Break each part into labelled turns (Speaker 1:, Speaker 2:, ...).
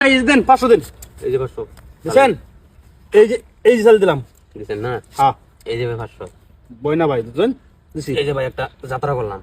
Speaker 1: এই যে দেন 500 দিন।
Speaker 2: এই যে 500
Speaker 1: দিছেন? এই যে চাল দিলাম।
Speaker 2: দিছেন না?
Speaker 1: হ্যাঁ।
Speaker 2: এই যে ভাই 500।
Speaker 1: বই না ভাই দুজন দিছি।
Speaker 2: এই যে ভাই একটা যাত্রা করলাম।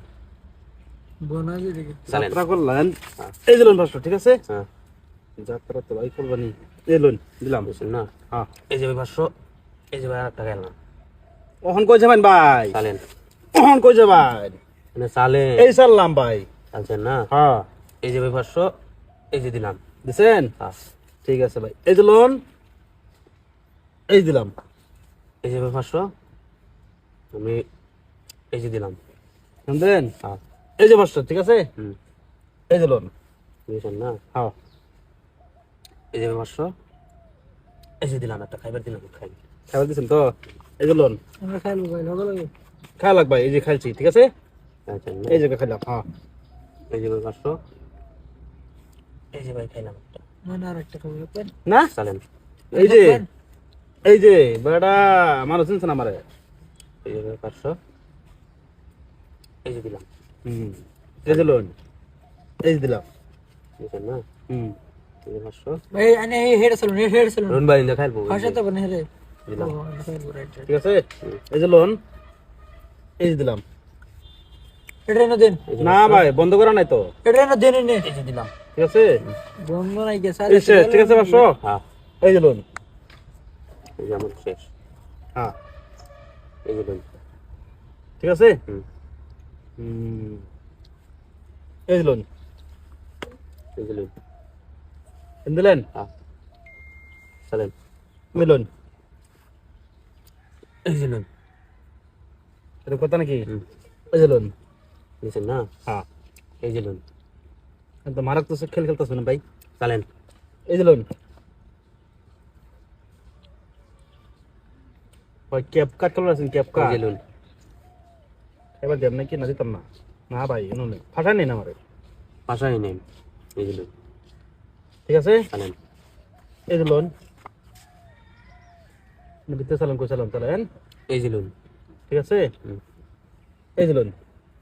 Speaker 2: চালেন।
Speaker 1: যাত্রা করলেন।
Speaker 2: হ্যাঁ।
Speaker 1: এই যে লোন 500 ঠিক আছে?
Speaker 2: হ্যাঁ।
Speaker 1: যাত্রা তো ভাই করবানি। এই লোন দিলাম।
Speaker 2: দিছেন না?
Speaker 1: হ্যাঁ।
Speaker 2: এই যে ভাই 500। এই যে ভাই আরেকটা গেলাম।
Speaker 1: ওহন কই যাবেন ভাই?
Speaker 2: চালেন।
Speaker 1: ওহন কই যাবেন?
Speaker 2: মানে চালেন।
Speaker 1: এই চাললাম ভাই।
Speaker 2: চালছেন না?
Speaker 1: হ্যাঁ।
Speaker 2: এই যে ভাই 500। এই যে দিলাম।
Speaker 1: দিছেন?
Speaker 2: হ্যাঁ।
Speaker 1: ঠিক আছে ভাই। এই যে লোন। এই দিলাম।
Speaker 2: এই যে ভাই 500। আমি এই যে দিলাম।
Speaker 1: শুনলেন?
Speaker 2: হ্যাঁ।
Speaker 1: এই যে 500 ঠিক আছে?
Speaker 2: হুম।
Speaker 1: এই যে লোন।
Speaker 2: দিছেন না?
Speaker 1: হ্যাঁ।
Speaker 2: এই যে ভাই 500। এই যে দিলাম একটা খাইবার দিলাম খাই।
Speaker 1: খাবার দিছেন তো? এই যে লোন।
Speaker 3: আমরা খাইলো ভাই লগে লগে
Speaker 1: খাওয়া লাগবে এই যে খাইছি ঠিক আছে?
Speaker 2: চালছেন না?
Speaker 1: এই যে খাইলাম। হ্যাঁ।
Speaker 2: এই যে ভাই 500। এই যে ভাই খাইলাম একটা।
Speaker 3: না আরেকটা খাবো পেন
Speaker 1: না?
Speaker 2: চালেন।
Speaker 1: এই যে বেটা মানুষ চিনছে না আমারে।
Speaker 2: এই যে ভাই 500। এই যে দিলাম।
Speaker 1: হুম। এই যে লোন। এই যে দিলাম।
Speaker 2: দিছেন না?
Speaker 1: হুম।
Speaker 2: এই যে 500।
Speaker 3: ভাই আনে এই হেড চলুন হেড চলুন
Speaker 2: রুন ভাই খাইবো।
Speaker 3: ভাষা তো বনে রে
Speaker 2: দিলাম।
Speaker 1: ঠিক আছে? এই যে লোন। এই যে দিলাম।
Speaker 3: এটা না দেন
Speaker 1: না ভাই বন্ধ করা নাই তো।
Speaker 3: এটা না দেন নে
Speaker 2: এই যে দিলাম।
Speaker 1: ঠিক আছে?
Speaker 3: বন্ধ নাই গেছে
Speaker 1: এই শেষ, ঠিক আছে 500?
Speaker 2: হ্যাঁ।
Speaker 1: এই যে লোন।
Speaker 2: এই যে আমার শেষ।
Speaker 1: হ্যাঁ।
Speaker 2: এই যে লোন।
Speaker 1: ঠিক আছে?
Speaker 2: হুম।
Speaker 1: হুম। এই যে লোন।
Speaker 2: এই যে লোন।
Speaker 1: দিলেন?
Speaker 2: হ্যাঁ। চালেন।
Speaker 1: এই লোন।
Speaker 2: এই যে লোন।
Speaker 1: এটা কথা নাকি?
Speaker 2: হুম।
Speaker 1: এই যে লোন।
Speaker 2: দিছেন না?
Speaker 1: হ্যাঁ।
Speaker 2: এই যে লোন।
Speaker 1: তো মারাক তো খেল খেলতেছ না ভাই।
Speaker 2: চালেন।
Speaker 1: এই যে লোন। ভাই ক্যাপ কাট করে আছেন ক্যাপ
Speaker 2: এই
Speaker 1: কাট।
Speaker 2: যে লোন।
Speaker 1: এবার দেব নাকি না দিতাম না। না ভাই এনো নেই। ফাটা নেই না আমারে।
Speaker 2: পাশাই নেই। এই যে লোন।
Speaker 1: ঠিক আছে?
Speaker 2: চালেন।
Speaker 1: এই যে লোন। ভিতরে চালান কই চালান চালান।
Speaker 2: এই যে লোন।
Speaker 1: ঠিক আছে?
Speaker 2: হুম।
Speaker 1: এই যে লোন।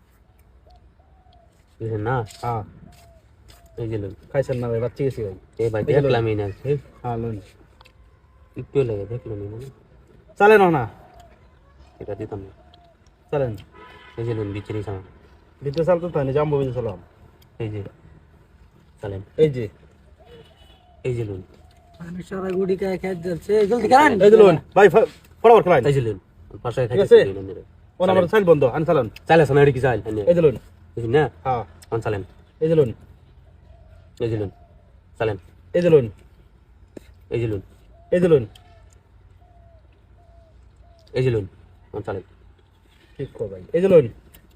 Speaker 2: দিছেন না?
Speaker 1: হ্যাঁ।
Speaker 2: এই যে লোন।
Speaker 1: খাইছেন না ভাই বাচ্চি গেছি ভাই।
Speaker 2: এই ভাই
Speaker 1: এই যে লোন।
Speaker 2: দেখলামই না।
Speaker 1: হ্যাঁ লোন।
Speaker 2: একটু লাগে দেখলাম না।
Speaker 1: চালেন না।
Speaker 2: এটা দিতাম না।
Speaker 1: চালেন।
Speaker 2: এই যে লোন বিচরি সামা।
Speaker 1: ভিতরে চালতে তো জাম্বো ভিতরে চালাম।
Speaker 2: এই যে চালেন।
Speaker 1: এই যে।
Speaker 2: এই যে লোন।
Speaker 3: আমি সারা গুডি খাই খাই যাচ্ছে জলদি করেন
Speaker 1: এই যে লোন। ভাই ফটাফট খেলাইন।
Speaker 2: এই যে লোন। পাশাই
Speaker 1: ঠিক
Speaker 2: খাইছে
Speaker 1: আছে?
Speaker 2: লোন রে।
Speaker 1: ও আমার চাল বন্ধ আন চালান।
Speaker 2: চালে সামনে এডি কি চাল।
Speaker 1: এই যে লোন।
Speaker 2: দিছেন না?
Speaker 1: হ্যাঁ।
Speaker 2: কোন চালেন।
Speaker 1: এই যে লোন।
Speaker 2: এই যে লোন। চালেন।
Speaker 1: এই যে লোন।
Speaker 2: এই যে লোন।
Speaker 1: এই যে লোন।
Speaker 2: এই যে লোন। কোন চালেন।
Speaker 1: ঠিক কর ভাই। এই যে লোন।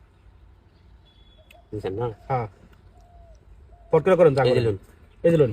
Speaker 2: দিছেন না?
Speaker 1: হ্যাঁ। ফট করে করেন যা
Speaker 2: এই যে
Speaker 1: করেন।
Speaker 2: লোন।
Speaker 1: এই যে লোন।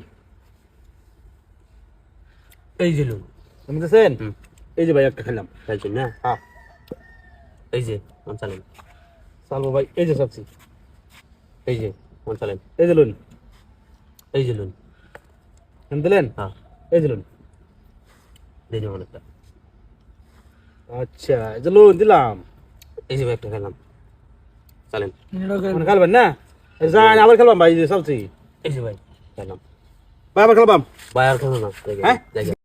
Speaker 2: এই যে লোন।
Speaker 1: আমি দেখছেন?
Speaker 2: হুম।
Speaker 1: এই যে ভাই একটা খেলাম।
Speaker 2: চাইছেন না?
Speaker 1: হ্যাঁ।
Speaker 2: এই যে কোন চালেন।
Speaker 1: চালবো ভাই এই যে চাচ্ছি।
Speaker 2: এই যে কোন চালেন।
Speaker 1: এই যে লোন।
Speaker 2: এই যে লোন।
Speaker 1: আমি দিলেন?
Speaker 2: হ্যাঁ।
Speaker 1: এই যে লোন।
Speaker 2: এই যে অনেকটা।
Speaker 1: আচ্ছা এই যে লোন দিলাম।
Speaker 2: এই যে একটা খেলাম। চালেন।
Speaker 1: মানে খেলবেন না? যান আবার খেলবাম ভাই এই যে চাচ্ছি।
Speaker 2: এই যে ভাই খেলাম।
Speaker 1: ভাই আবার খেলবাম।
Speaker 2: ভাই আর খেলো না।
Speaker 1: হ্যাঁ?
Speaker 2: জায়গা